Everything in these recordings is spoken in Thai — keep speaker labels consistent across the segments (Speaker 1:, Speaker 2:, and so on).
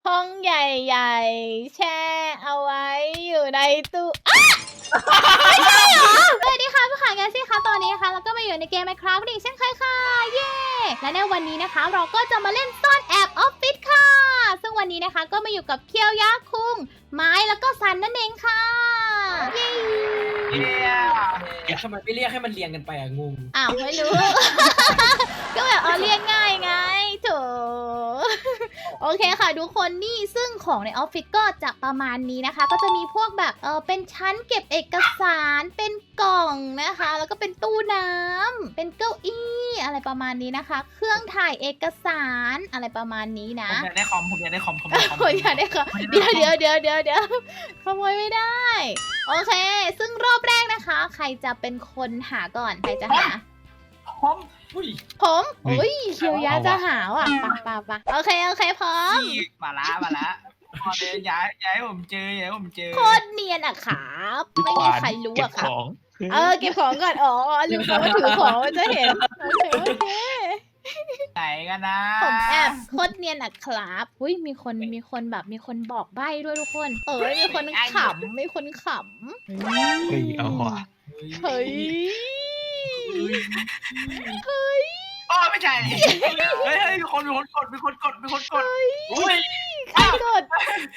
Speaker 1: ห้องใหญ่ๆแช่เอาไว้อยู่ในตู้สวัสดีค่ะผู้ขายงานสิคะตอนนี้นะคะเราก็มาอยู่ในเกม Minecraft อีกเช่นเคยค่ะเย้และในวันนี้นะคะเราก็จะมาเล่นซ่อนแอบออฟฟิศค่ะซึ่งวันนี้นะคะก็มาอยู่กับเคียวยะคุงไม้แล้วก็ซันนั่นเองค่ะเย้
Speaker 2: ทำไมไม่เรียกให้มันเรียงกันไปอะงง
Speaker 1: อ้าวไม่รู้ ก็แบบเรียกง่ายไงโถโอเคค่ะทุกคนนี่ซึ่งของในออฟฟิศก็จะประมาณนี้นะคะ ก็จะมีพวกแบบเป็นชั้นเก็บเอกสารเป็นกล่องนะคะ แล้วก็เป็นตู้น้ำเป็นเก้าอี้อะไรประมาณนี้นะคะ เครื่องถ่ายเอกสารอะไรประมาณนี้นะ
Speaker 2: ผมอยากได้คอมผมอยากได้คอม
Speaker 1: คนอยากได้ค่ะเดี๋ยวขโมยไม่ได้ โอเค ซึ่งรอบแรกนะคะ ใครจะเป็นคนหาก่อนใครจะหา
Speaker 2: คอมอุ้ย
Speaker 1: ผมอุ้ยเคียวยะจะหาว่ะปะโอเคพร้อม
Speaker 2: ขี้มาละพอเดินย้ายผมเจอย้ายผมเจอ
Speaker 1: โคตรเนียนอะครับไม่มีใครรู้อะครับ
Speaker 3: เก็บ
Speaker 1: เก็บของก่อนอ๋อลืมไปว่าถือของมันจะเห็นโอเค
Speaker 2: ไหนกันนะ
Speaker 1: ผมแอบโคตรเนียนอะครับอุ้ยมีคนแบบมีคนบอกใบ้ด้วยทุกคนมีคนขำมีคนขำ
Speaker 3: เฮ้ยเอาว่ะ
Speaker 1: เฮ้ย
Speaker 2: อ๋อไม่ใช่เฮ้ยมีคนกดอุ้ย
Speaker 1: ใครกด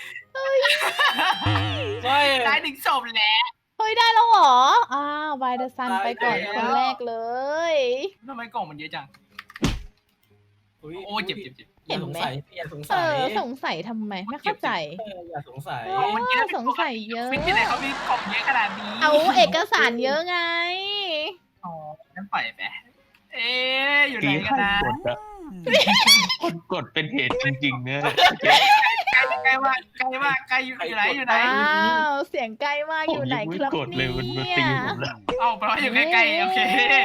Speaker 2: ได้ถึงศพแล้ว
Speaker 1: เฮ้ยได้แล้วเหรอวายเดอะซันไปก่อนคนแรกเลย
Speaker 2: ทำไมกล่องมันเยอะจังโอ้เจ็บ
Speaker 1: เห็นไหม
Speaker 4: อย่าสงสัย
Speaker 1: สงสัยทำไมไม่เข้าใจ
Speaker 4: อย่าสงสัย
Speaker 1: สงสัยเยอะ
Speaker 2: ฟิตที่ไหนเขามีกล่องเยอะขนาดนี้
Speaker 1: เอาเอกสารเยอะไง
Speaker 2: อ๋องั้นปล่อยไปอยู่ไหน
Speaker 3: ตี
Speaker 2: กัน
Speaker 3: ใคร
Speaker 2: นะ
Speaker 3: กดอะคนกดเป็นเหตุจริงๆเนี่ย
Speaker 2: ใกล้มากอยู่ไหน
Speaker 1: เสียงใกล้มากอยู่ไหนครับ
Speaker 3: กดเลยมันมาตีผมแล้ว
Speaker 2: เอ้าแปลว่าอยู่ใกล้ๆโอเค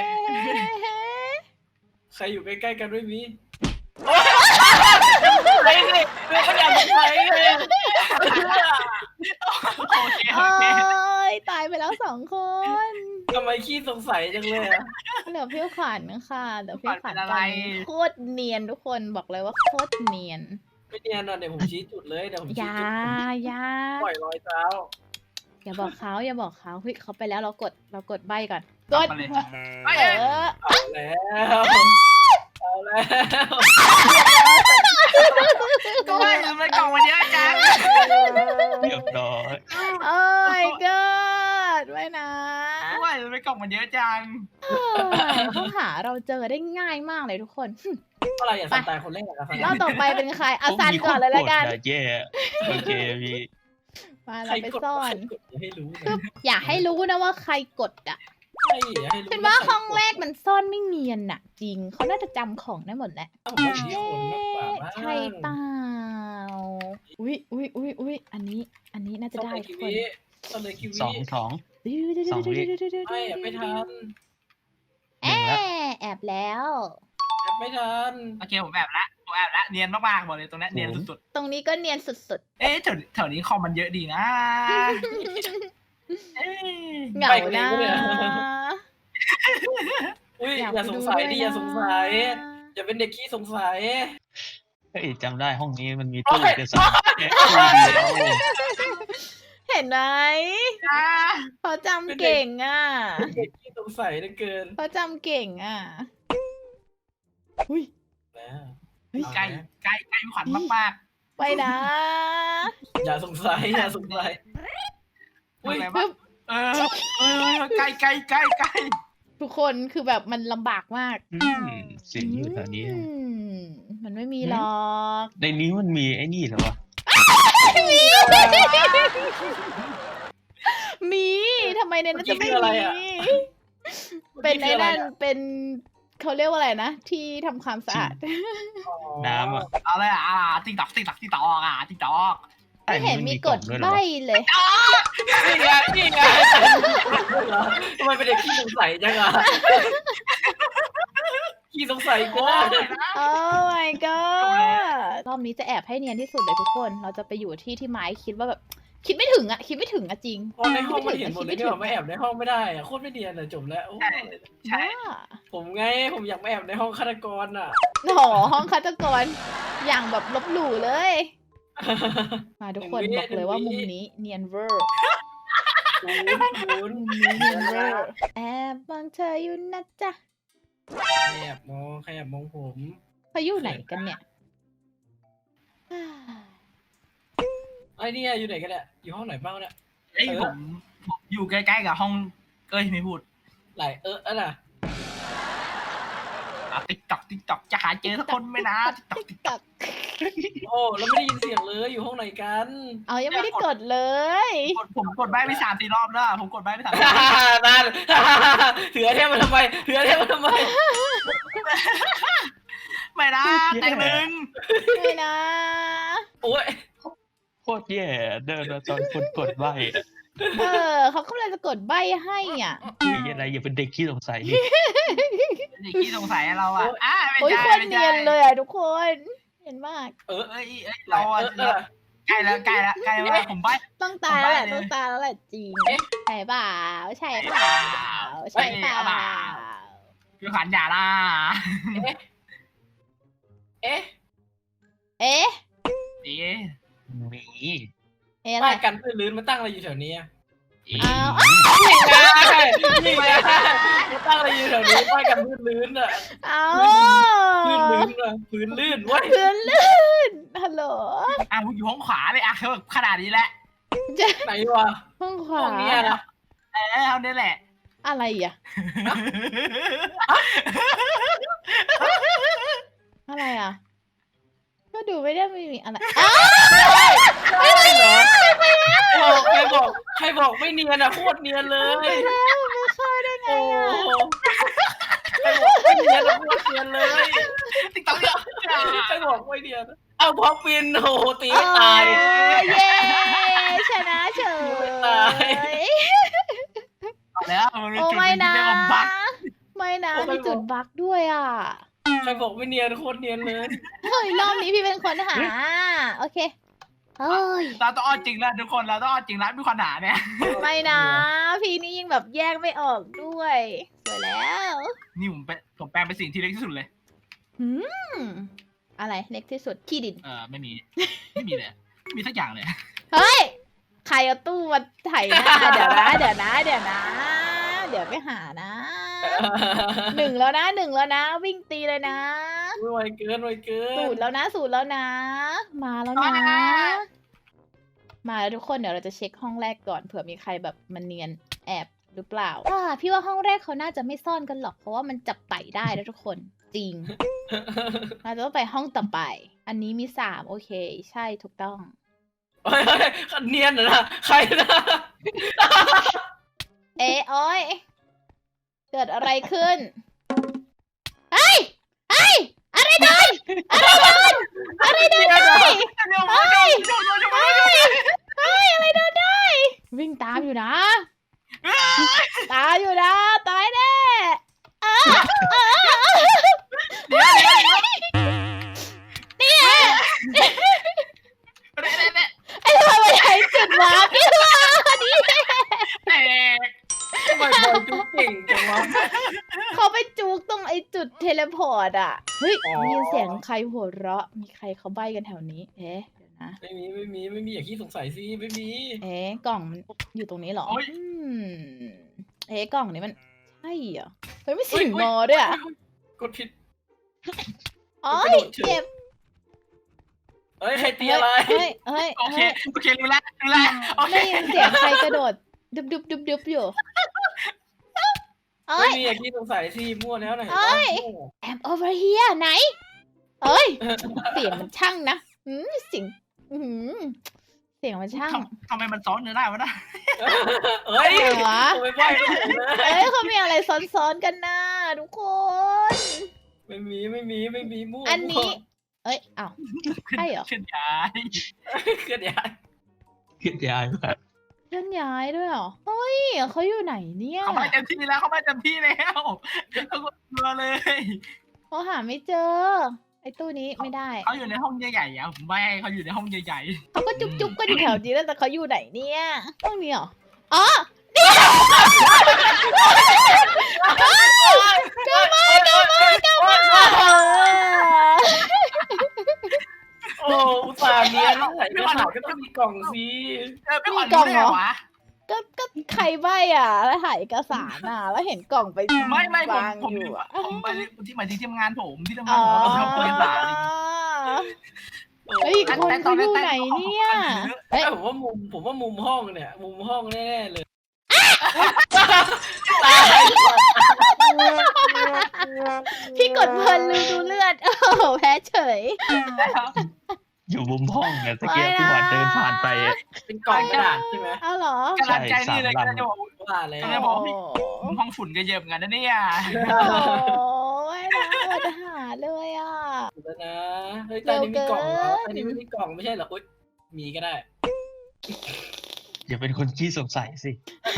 Speaker 4: ใครอยู่ใกล้ๆกันด้วยมี
Speaker 2: ไปเลยเขาอยากไปเลยโอเค
Speaker 1: โอ้ยตายไปแล้ว2 คน
Speaker 4: ทำไมขี้สงสัยจังเลยอะ
Speaker 1: เหลือพี่ขวัญนะคะเดี๋ยวพี่ขวัญกันโคตรเนียนทุกคนบอกเลยว่าโคตรเนียน
Speaker 4: ไม่เนียนอ่ะเดี๋ยวผมชี้จุดเลยเดี๋ยวผม
Speaker 1: อ
Speaker 4: ชี้
Speaker 1: ย่า
Speaker 4: จุดปล่อยรอยเท้า
Speaker 1: อย่าบอกเขาเฮ้ยเขาไปแล้วเรากดใบก่อนกด
Speaker 2: มาเลย
Speaker 4: เอาแล้วเอาแล้ว
Speaker 2: ก็ว่าอยู่ในกล่องมันเยอะจัง
Speaker 3: เรียบร้อย
Speaker 1: โอ้ยเกิดไว้นะ
Speaker 2: ก็ว่าอยู่ในกล่องมันเยอะจัง
Speaker 1: เขาหาเราเจอได้ง่ายมากเลยทุกคน
Speaker 4: อะไรอย่าสนใจคนเล่นอะ
Speaker 1: รอบต่อไปเป็นใครอาซันก่อนเลยละกัน
Speaker 3: แย่โอเคพี่
Speaker 1: มา
Speaker 4: ใคร
Speaker 1: เราไป
Speaker 4: กด
Speaker 1: ซ่อน
Speaker 4: ให้รู้
Speaker 1: อย่าให้รู้นะว่าใครกดอ่ะ
Speaker 4: ใช่อย่าให้รู้
Speaker 1: เป็นว่าห้องแรกมันซ่อนไม่เนียนน่ะ จริงเขาน่าจะจำของได้หมดแหละ
Speaker 4: ผมว่ามีคนมากกว่ามั้ง
Speaker 1: ใช่เปล่าอุ้ยอันนี้น่าจะได้ทุกคน
Speaker 4: ตอนเลยคิวี
Speaker 3: สอง
Speaker 4: ไม่ไม่ทัน
Speaker 1: แอบแล้ว
Speaker 4: ไม่ทัน
Speaker 2: โอเคผมแอบละเนียนมากๆบอกเลยตรงนี้เนียนสุด
Speaker 1: ตรงนี้ก็เนียนสุด
Speaker 2: แถวนี้คอมมันเยอะดีนะ
Speaker 1: ๆเหงานะ
Speaker 4: อุ้ยอย่าสงสัยดิอย่าสงสัยอย่าเป็นเด็กขี้สงสัย
Speaker 3: เฮ้ยจำได้ห้องนี้มันมีตู้เอกสารแค่ตู้เดียว
Speaker 1: เห็นไหมเขาจำเก่งอ่ะ
Speaker 4: เด็กขี้สงสัยเหลือเกิน
Speaker 1: เขาจำเก่งอ่ะอุ้ย
Speaker 4: แล้ว
Speaker 2: ใกล้ขวัญมาก
Speaker 1: ไปนะ
Speaker 4: อย่าสงสัยอย่าสงสัย
Speaker 2: ๆอะไรวะใกล้
Speaker 1: ทุกคนคือแบบมันลำบากมาก
Speaker 3: เสียงอยู่แถวนี้
Speaker 1: มันไม่มีหรอก
Speaker 3: ในนี้มันมีไอ้นี่เหรอวะ
Speaker 1: มีทำไมในนั้นจะไม่มีเป็นไอ้นั่นเป็นเขาเรียกว่าอะไรนะที่ทำความสะอาด
Speaker 3: น้ำอ่ะ
Speaker 2: เอาเลยติ๊กตอกติ๊กตอก
Speaker 1: ไม่เห็นมีกดใบเลย
Speaker 4: นี่ไงทำไมเป็นเด็กขี้สงสัยจังอะขี้สงสัยก็
Speaker 1: โอ้ my god รอบนี้จะแอบให้เนียนที่สุดเลยทุกคน เราจะไปอยู่ที่ไม้คิดว่าแบบคิดไม่ถึงอะจริง
Speaker 4: พอในห้องมันเห็นหมดเลยที่แบบไม่แอบในห้องไม่ได้อะโคตรไม่เนียนอะจบแล้ว
Speaker 2: ใช่
Speaker 4: ผมไงผมอยากมาแอบในห้องฆาตกรอะ
Speaker 1: โอ้โหห้องฆาตกรอย่างแบบลบหลู่เลยมาทุกคนบอกเลยว่ามุมนี้เนียนเวอร์
Speaker 4: ศูนย์
Speaker 1: มุมนี้เนียนเวอร์แอบมองเธออยู่นะจ๊ะ
Speaker 4: ขยับมองผม
Speaker 1: เขาอยู่ไหนกันเนี่ย
Speaker 4: ไอ้นี่อยู่ไหนกันเนี่ยอยู่ห้องไหนบ้างเนี่ย
Speaker 2: เอ้ยผมอยู่ใกล้ๆกับห้องเอ้ยไม่พูด
Speaker 4: ไหลน่ะ
Speaker 2: ติ๊กตอกจะหาเจอสักคนไหมนะติ๊กตอก
Speaker 1: ตัก
Speaker 4: โอ้แล้วไม่ได้ยินเสียงเลยอยู่ห้องไหนกัน
Speaker 1: เอายังไม่ได้กดเลย
Speaker 2: ผมกดใบไป3-4 รอบแล้วผมกดใบไป3-4 รอบ
Speaker 4: นั่นเถือเทพมาทำไม
Speaker 2: ไม่นะแต่งหนึ่ง
Speaker 1: ไม่นะ
Speaker 4: โอ้ย
Speaker 3: โคตรแย่เดินมาตอนคนกดใบอะ
Speaker 1: เขากำลังจะกดใบให้อ่ะ
Speaker 3: มีอะไรอย่าเป็นเด็กขี้สงสัยดิ
Speaker 2: เด็กที่สงสัยเราอ่ะไม่
Speaker 1: โอ้ย
Speaker 2: ใช่
Speaker 1: โคน
Speaker 2: ไม่
Speaker 1: เนี
Speaker 2: ใช่
Speaker 1: ยนเลยอ่ะทุกคนเห็นมาก
Speaker 2: เอ้ยเราอ่ะใกล้แล้วผมใบ
Speaker 1: ต้องตายแล้วแหละ
Speaker 2: ผมใบ้เลย
Speaker 1: ต้องตายแล้วแหละจริงใช่เปล่าใช่เปล่าใช่เปล่า
Speaker 2: คือขันอย่าล่ะ
Speaker 4: เอ๊ะ
Speaker 1: เอ๊ะ
Speaker 2: ดี
Speaker 3: มี
Speaker 1: เอ๊ะอะไร
Speaker 4: ป้ายกันพื้นลื่นมาตั้งอะไรอยู่แถวนี้
Speaker 1: อ้าว
Speaker 4: นี่ไงมาตั้งอะไรอยู่แถวนี้ป้ายกันพื้นลื่นอ่ะ
Speaker 1: เอา
Speaker 4: พื้นลื่นเว้ย
Speaker 1: พื้นลื่นฮัลโหล
Speaker 2: อยู่ห้องขวาเลยเขาแบบขนาดนี้แหละ
Speaker 4: ไหนวะ
Speaker 1: ห้องขวา
Speaker 4: ห้องนี้นะ
Speaker 2: เอาเนี่ยแหละ
Speaker 1: อะไรอ่ะอะไรอ่ะก็ดูไม่ได้ไม่มีอะไรอ้าว
Speaker 4: ไม่เหรอใครบอกไม่เนียนอ่ะโคตรเนียนเลย
Speaker 1: ไม่เข้าได้ไง
Speaker 4: โอ้
Speaker 1: อ่ะ
Speaker 4: ใครบอกไม่เนียนอ่ะโคตรเนียนเลย
Speaker 2: ติ๊กต๊อกเนี่ย
Speaker 4: ใครบอกไม่เนียนเอาพอปินโอ้ตีไม่ตาย
Speaker 1: เย้ชนะเฉย
Speaker 4: ไม่ตาย
Speaker 2: แล้วมันเป็น
Speaker 1: โอ้
Speaker 2: จุด
Speaker 1: ไม่
Speaker 2: ที่
Speaker 1: นะ
Speaker 2: เรียกว่าบั๊ก
Speaker 1: ไม่นะมีจุดบั๊กด้วยอ่ะ
Speaker 4: ใครบอกไม่เนียนโคตรเนียนเลย
Speaker 1: เฮ้ยรอบนี้พี่เป็นคนหาโอเคเฮ้ย
Speaker 2: เราต้องเอาจริงแล้วทุกคนเราต้องเอาจริงแล้วมีคนหาเนี่ย
Speaker 1: ไม่นะพี่นี่ยิ่งแบบแยกไม่ออกด้วยสวยแล้ว
Speaker 2: นี่ผมแปลงเป็นสิ่งที่เล็กที่สุดเลย
Speaker 1: หืมอะไรเล็กที่สุดที่ดิน
Speaker 2: ไม่มีเลยไม่มีสักอย่างเลย
Speaker 1: เฮ้ยใครเอาตู้มาไถหน้าเดี๋ยวนะเดี๋ยวไปหานะหนึ่งแล้วนะวิ่งตีเลยนะ
Speaker 4: ไวเกิน
Speaker 1: สูตรแล้วนะมาแล้วนะ มาแล้วทุกคนเดี๋ยวเราจะเช็คห้องแรกก่อนเผื่อมีใครแบบมันเนียนแอบหรือเปล่าพี่ว่าห้องแรกเขาน่าจะไม่ซ่อนกันหรอกเพราะว่ามันจับไต่ได้แล้วทุกคนจริง เราจะต้องไปห้องต่อไป อันนี้มี3โอเคใช่ถูกต้อง
Speaker 4: เฮ้ยเนียนเหรอนะใครนะ
Speaker 1: โอ้ยเกิดอะไรขึ้นเฮ้ยอะไรโดนได้เฮ้ยอะไรโดนได้วิ่งตามอยู่นะตายแน่นี่ไอ้ทำไมใช้จุดวาร์ปนี่วะนี่
Speaker 4: ทำไมบอยจุ๊กเก่งจังวะ
Speaker 1: เขาไปจุกตรงไอ้จุดเทเลพอร์ตอ่ะเฮ้ยมีเสียงใครหัวเราะมีใครเขาใบ้กันแถวนี้เดี๋ยวนะ
Speaker 4: ไม่มีอย่าขี้สงสัยสิไม่มี
Speaker 1: กล่องมันอยู่ตรงนี้เหรอกล่องนี้มันใช่เหรอเฮ้ยไม่เสียงงอด้วยอ่ะ
Speaker 4: กดผิด
Speaker 1: อ๋อเจ็บ
Speaker 4: เฮ้ยใครตีอะไร
Speaker 1: เฮ้ย
Speaker 2: โอเครู้แล้วโอเค
Speaker 1: ได้ยินเสียงใครกระโดดดุบอยู่
Speaker 4: ไม่มีอย่าขี้สงสัยสิมั่วแล้วไหน
Speaker 1: I'm over here ไหนเอ้ยเสียงมันช่างนะเสียงเสียงมันช่าง
Speaker 2: ทำไมมันซ้อนเนื้อได้วะนะ
Speaker 4: เฮ้ย
Speaker 1: อะไรวะ
Speaker 4: ไม่ไหว
Speaker 1: เขามีอะไรซ้อนๆกันนะทุกคน
Speaker 4: ไม่มีมั่ว
Speaker 1: อันนี้อ้าวใช่เหรอ
Speaker 2: ขึ้นย้าย
Speaker 4: เกิดยัง
Speaker 3: คิดย้ายแบบ
Speaker 1: เคลื่อนย้ายด้วยเหรอเฮ้ยเขาอยู่ไหนเนี่ย
Speaker 2: เขาไม่เต็มที่แล้วเขากลัวเลย
Speaker 1: เขาหาไม่เจอไอ้ตู้นี้ไม่ได้
Speaker 2: เขาอยู่ในห้องใหญ่ๆอ่ะผมไม่ให้เขาอยู่ในห้องใหญ่
Speaker 1: เขาก็จุ๊บก็อยู่แถวนี้แล้วแต่เขาอยู่ไหนเนี่ยห้องนี้เหรออ๋อนี่กลับมา
Speaker 4: โอ้อุตส่าห์เนียนใส่กระถางก็ต้องมีกล่องสิ
Speaker 2: พี่ขวัญรู้ได้ไงวะ
Speaker 1: ก็ใครใบอ่ะแล้วถ่ายเอกสารอ่ะแล้วเห็นกล่องไป
Speaker 2: ไม่ผม
Speaker 1: วาง
Speaker 2: ผม
Speaker 1: อยู่อ่ะ
Speaker 2: ผมไปที่หมายถึงที่ทำงานผมที่ทำงานผมเราทำเอกสาร
Speaker 1: เฮ้ยคนเขาอยู่ไหนเนี่ยเฮ้ย
Speaker 4: ผมว่ามุมห้องเนี่ย มุมห้องแน่ๆเลย
Speaker 1: พี่กดเพลินลืมดูเลือดโอ้โหแพ้เฉย
Speaker 3: อยู่มุมห้องเนี่ยตะเกียบพี่หวานเดินผ่านไปอะ
Speaker 4: เป็นกล่องกระดาษใช่ไหม
Speaker 1: เอาเหรอ
Speaker 2: กำลังใจนี่เลยก็จะบอก
Speaker 4: ว่าแล้ว
Speaker 2: จะบอกพี่ห้องฝุ่นก็เยอะเหมือนกันนะเนี่ย
Speaker 1: โอ้ยนะเราจะหาเลยอ่ะ
Speaker 4: แล้วนะเฮ้ยตอนนี้มีกล่องเหรอตอนนี้ไม่มีกล่องไม่ใช่เหรออุ๊ยมีก็ได้
Speaker 3: อย่าเป็นคนขี้สงสัยสิ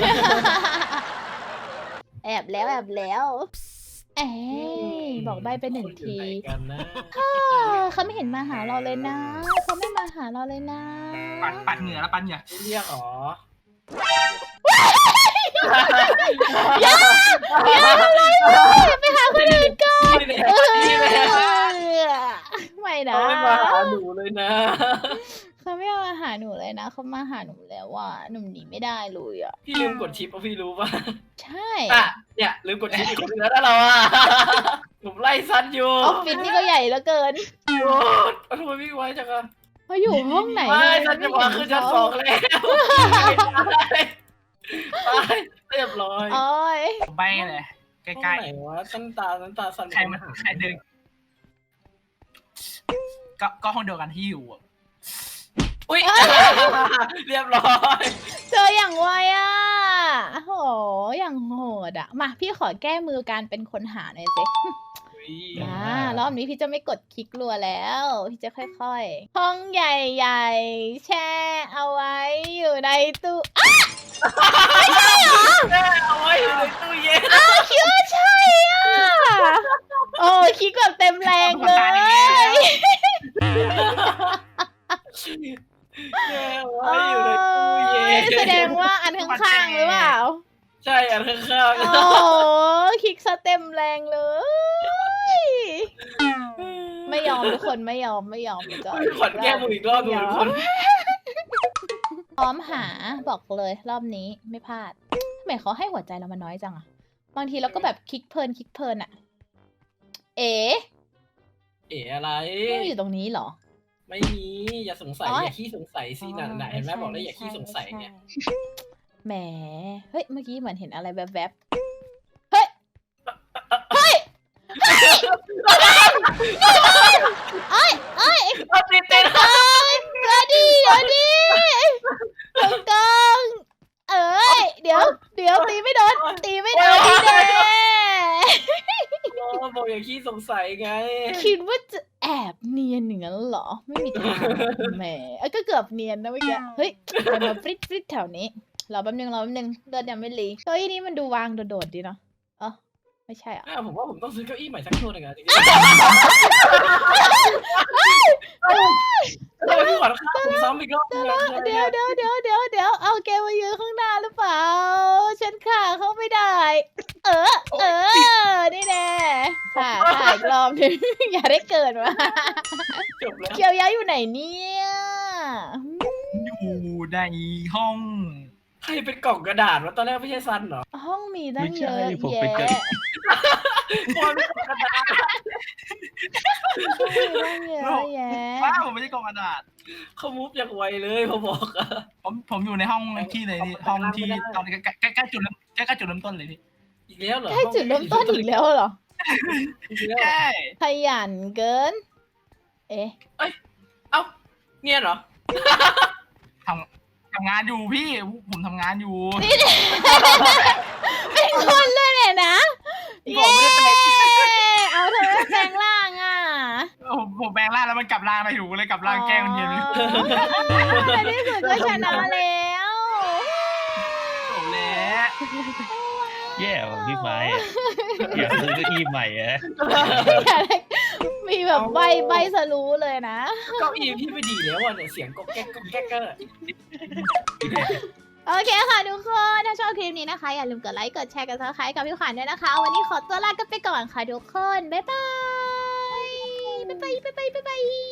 Speaker 1: แอบแล้วเอ้ยบอกใบไปหนึ่งที
Speaker 4: คนอยู่ไหนกันนะ
Speaker 1: เขาไม่เห็นมาหาเราเลยนะเขาไม่มาหาเราเลยนะ
Speaker 2: ปัดเหงื่อแล้วปัดเหงื่อ
Speaker 4: เรียกอ๋อ
Speaker 1: ไปหาคนอื่นก่อน
Speaker 4: นี่แหละนี่แหละ
Speaker 1: ไม่นะ
Speaker 4: เขาไม่มาหาหนูเลยนะ
Speaker 1: เขาไม่มาหาหนูเลยนะเขามาหาหนูแล้วว่าหนุ่มหนีไม่ได้เลยอ่ะ
Speaker 4: พี่ลืมกดชิปป่ะพี่รู้ป่ะ
Speaker 1: ใช่
Speaker 4: อ่ะเนี่ยลืมกดชิปอีกคนนึงแล้วนะเราอ่ะผมไล่ซันอยู่
Speaker 1: ออฟฟิศนี่ก็ใหญ่เหลือเกิน
Speaker 4: โอ้ทำไมวิ่งไวจังอะ
Speaker 1: เขาอยู่ห้องไหน
Speaker 4: ไม่
Speaker 1: เลย
Speaker 4: ฉันจะมาขึ้นชั้นสองแล้วไปเรียบร้อย
Speaker 1: โอ้ย
Speaker 2: ใบเลยใก
Speaker 4: ห้อง
Speaker 2: ล้
Speaker 4: ไหนวะชั้นตาสัน
Speaker 2: ๆใครมันใครเดินก็ห้องเดียวกันที่อยู่
Speaker 4: อุ้ยเรียบร้อย
Speaker 1: เจออย่างไวอ่ะโหอย่างโหดอ่ะมาพี่ขอแก้มือการเป็นคนหาหน่อยสิ รอบนี้พี่จะไม่กดคลิกรัวแล้ว พี่จะค่อยๆ ห้องใหญ่ๆ แช่เอาไว้อยู่ในตู้อ้าว
Speaker 4: เอาไว้อยู่ในตู้เย็น
Speaker 1: คิดว่าใช่อ่ะ โอ้คลิกแบบเต็มแรงเลย
Speaker 4: เอาไว้อยู่ในตู้เย็น
Speaker 1: แสดงว่าอันข้างๆหรือเปล่า
Speaker 4: ใช่อันข้าง
Speaker 1: โอ้คลิกซะเต็มแรงเลย ไม่ยอมทุกคนไม่ยอมจะ
Speaker 4: ๆขวัญแก้มืออีกรอบดูทุกคน
Speaker 1: พร้อมหาบอกเลยรอบนี้ไม่พลาดทำไมเขาให้หัวใจเรามาน้อยจังอะบางทีเราก็แบบคลิกเพลินอะเอ๋
Speaker 4: เอ๋อะไร
Speaker 1: ไม่อยู่ตรงนี้เหรอ
Speaker 4: ไม่มีอย่าสงสัยอย่าขี้สงสัยสิน่ะไหนเห็นไหมบอกแล้วอย่าขี้สงสัยเนี่ย
Speaker 1: แหมเฮ้ยเมื่อกี้เหมือนเห็นอะไรแวบๆเฮ้ยเฮ้ยเอ้ย
Speaker 4: เอาติด
Speaker 1: เดี๋ยวดิตรงเอ้ยเดี๋ยวตีไม่โดนนี่แน่
Speaker 4: บอกอย่าขี้สงสัยไง
Speaker 1: คิดว่าจะแอบเนียนอย่างนั้นเหรอ ไม่มีทางแหมก็เกือบเนียนนะเมื่อกี้เฮ้ยมันมาฟริดแถวนี้รอแป๊บนึงเลือดยังไม่รีเก้าอี้นี้มันดูวางโดดๆดีเนาะไม่ใช่อ่ะ
Speaker 4: ผมว่าผมต้องซื้อเก้าอี้ใหม่สักตัวหนึ่งอะจริงๆทำไมพี่หวานฆ่าผมซ้ำอีกรอบนึงอะ
Speaker 1: เดี๋ยวเอาแกมายืนข้างหน้าหรือเปล่า ฉันขาเข้าไม่ได้ นี่แน่ค่ะอีกรอบนึง อย่าได้เกิดมา
Speaker 4: จบแล้ว
Speaker 1: เกียวย้ายอยู่ไหนเนี่ย
Speaker 2: อยู่ในห้อง
Speaker 4: ใครเป็นกล่องกระดาษวะตอนแรกไม่ใช่ซันเหรอ
Speaker 1: ห้องมีตั้งเยอะ
Speaker 3: ไม่ใช่ผม
Speaker 1: แยะ
Speaker 3: ไปเจอ
Speaker 4: บอลเป็นกล่องกระดาษ
Speaker 1: ห้องมีตั้งเยอะแยะ
Speaker 2: ว้าวผมไม่ใช่กล่องกระดาษ
Speaker 4: เขามูฟอย่างไวเลยพอบอกอะ
Speaker 2: ผมอยู่ในห้องที่เลยนี่ห้องที่ตอนใกล้จุดเริ่มต้นเลยพี่
Speaker 4: อีกแล้วเหรอ
Speaker 1: ใกล้จุดเริ่มต้นอีกแล้วเหรอ
Speaker 4: อีกแล้ว
Speaker 2: ใช่
Speaker 1: ขยันเกิน เอ๊ะ
Speaker 4: เอ้าเนี่ยเหรอ
Speaker 2: ทำงานอยู่พี่ผมทำงานอยู่
Speaker 1: เป็นคนเลยเนี่ยนะ
Speaker 2: ผมไม่ได้แปลง
Speaker 1: เอาเธอแปลงร่างอ่ะ
Speaker 2: ผมแปลงร่างแล้วมันกลับร่างไปถูกเลยกลับร่างแก้มันเย็นเลย
Speaker 1: ในที่สุดก็ชนะแล้ว
Speaker 2: โอ้แล้ว
Speaker 3: แย่ว่ะพี่ไม้อะอยากซื้อเก้าอี้ใหม่อะ
Speaker 1: มีแบบใบสรู้เลยนะ
Speaker 4: เก้าอี้พี่ไม่ดีแล้วอ่ะเนี่ยเสียงก๊อกแก๊กอะ
Speaker 1: โอเคค่ะทุกคนถ้าชอบคลิปนี้นะคะอย่าลืมกดไลค์กดแชร์กดซับสไครต์กับพี่ขวัญด้วยนะคะวันนี้ขอตัวลากันไปก่อนค่ะทุกคนบ๊ายบาย